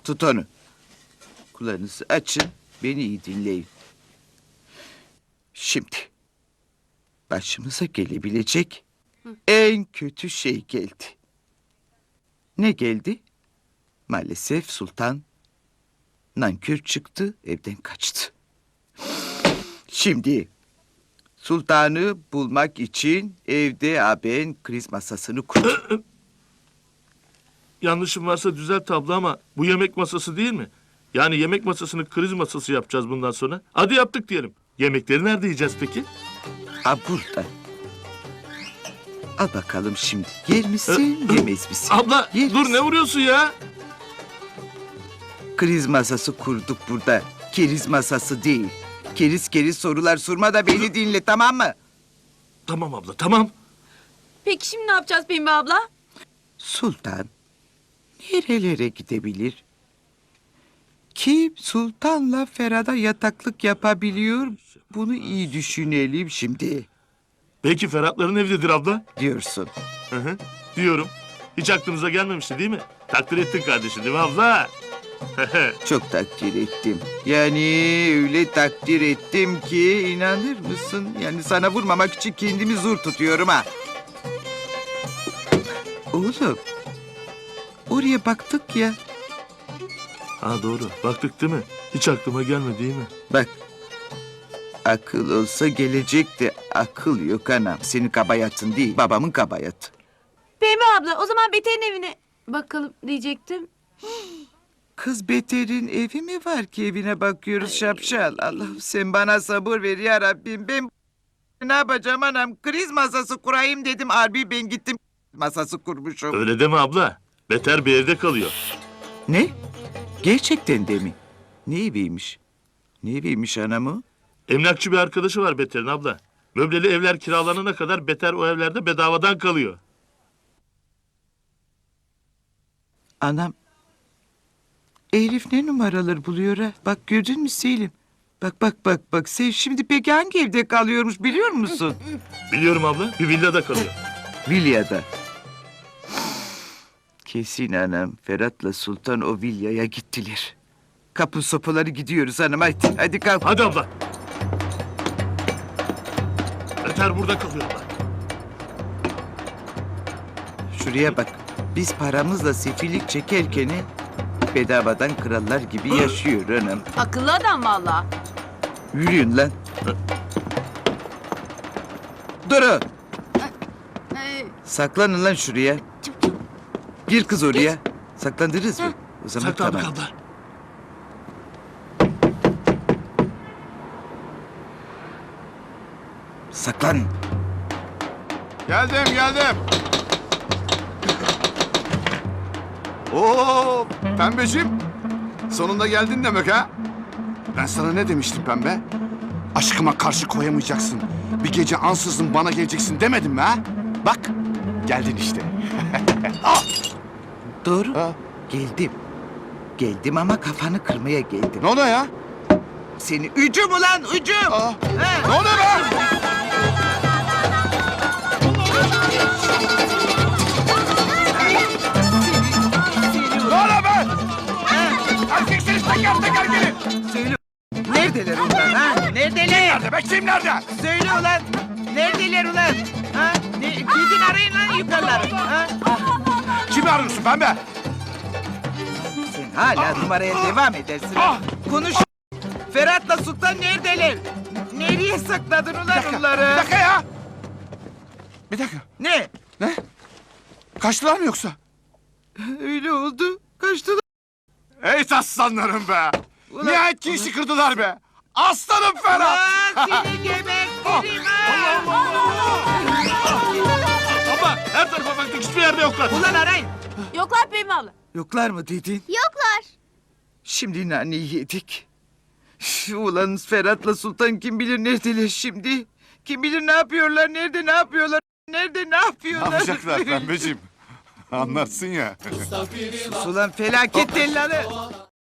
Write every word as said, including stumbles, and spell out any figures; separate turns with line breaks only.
Tut onu. Kulağınızı açın, beni iyi dinleyin. Şimdi başımıza gelebilecek en kötü şey geldi. Ne geldi? Maalesef sultan nankör çıktı, evden kaçtı. Şimdi sultanı bulmak için evde ben kriz masasını kurdum.
Yanlışım varsa düzelt abla ama bu yemek masası değil mi? Yani yemek masasını kriz masası yapacağız bundan sonra. Hadi yaptık diyelim. Yemekleri nerede yiyeceğiz peki?
Ha burada. Al bakalım şimdi. Yer misin, yemez misin?
Abla
Yer
dur
misin?
ne vuruyorsun ya?
Kriz masası kurduk burada. Keriz masası değil. Keriz keriz sorular sorma da beni dinle, tamam mı?
Tamam abla tamam.
Peki şimdi ne yapacağız Pembe abla?
Sultan nerelere gidebilir? Kim sultanla Ferhat'a yataklık yapabiliyor? Bunu iyi düşünelim şimdi
Belki Ferhatların evidir abla.
diyorsun.
Hı hı, diyorum. Hiç aklımıza gelmemişti değil mi? Takdir ettin kardeşim değil mi abla?
Çok takdir ettim. Yani öyle takdir ettim ki inanır mısın? Yani sana vurmamak için kendimi zor tutuyorum ha. Oğlum, oraya baktık ya.
Ha doğru. Baktık değil mi? Hiç aklıma gelmedi değil mi?
Bak, akıl olsa gelecekti. Akıl yok anam. Senin kabayatın değil, babamın kabayatı.
Pembe abla o zaman Beter'in evine bakalım diyecektim.
Kız Beter'in evi mi var ki evine bakıyoruz şapşal? Allah'ım sen bana sabır ver ya Rabbim. Ben ne yapacağım anam? Kriz masası kurayım dedim. Harbi ben gittim masası kurmuşum.
Öyle deme abla. Beter bir evde kalıyor.
Ne? Gerçekten de mi? Ne eviymiş? Ne eviymiş anamı?
Emlakçı bir arkadaşı var Beter'in abla. Möbleli evler kiralanana kadar Beter o evlerde bedavadan kalıyor.
Anam. Elif ne numaralar buluyor ha? Bak gördün mü Selim? Bak bak bak bak. Sen şimdi peki hangi evde kalıyormuş biliyor musun?
Biliyorum abla. Bir villada kalıyor.
Vilya'da. Kesin anam. Ferhat'la Sultan o vilyaya gittiler. Kapı sopaları gidiyoruz hanım. Hadi, hadi kalk.
Hadi abla. Beter burada kalıyor abla.
Şuraya bak. Biz paramızla sefillik çekerken bedavadan krallar gibi yaşıyor anam.
Akıllı adam valla.
Yürüyün lan. Durun.
Ee,
Saklanın lan şuraya. Gir kız oraya. Saklandınız mı? O zaman
Saklandık
tamam.
abla.
Saklan.
Geldim geldim. Oo Pembeciğim. Sonunda geldin demek ha? Ben sana ne demiştim Pembe? Aşkıma karşı koyamayacaksın. Bir gece ansızın bana geleceksin demedim mi ha? Bak geldin işte.
Doğru.
Ha?
Geldim. Geldim ama kafanı kırmaya geldim.
Ne oluyor ya?
Seni ücüm ulan ücüm.
Aa,
Ha?
ne oluyor be? Ne oluyor be? Erkeksiniz teker teker gelin.
Söyle. Neredeler ulan ha? Neredeler?
Nerede be kim nerede?
Söyle ulan. Neredeler ulan? Ha? Ne? Gidin arayın lan yukarıları. Ha?
Kimi arıyorsun Pembe?
Sen hala numaraya devam edersin.
Ah!
Konuş. Ferhat'la Sultan neredeler? Nereye sakladın ulan
Bir
onları?
dakika ya. Bir dakika.
Ne?
Ne? Kaçtılar mı yoksa?
Öyle oldu. Kaçtılar.
Ey aslanlarım be!
Ulan-
Nihayet ki işi kırdılar be! Aslanım Ferhat!
Ulan seni gebertirim ha!
Abla her tarafa baktık hiçbir yerde yoklar.
Ulan arayın.
Yoklar Pembe abla.
Yoklar mı dedin?
Yoklar.
Şimdi naneyi yedik. Üf, ulan Ferhat'la Sultan kim bilir neredeler şimdi? Kim bilir ne yapıyorlar, nerede ne yapıyorlar, nerede ne yapıyorlar?
Pembeciğim? Anlarsın ya.
Sus ulan felaket tellalı.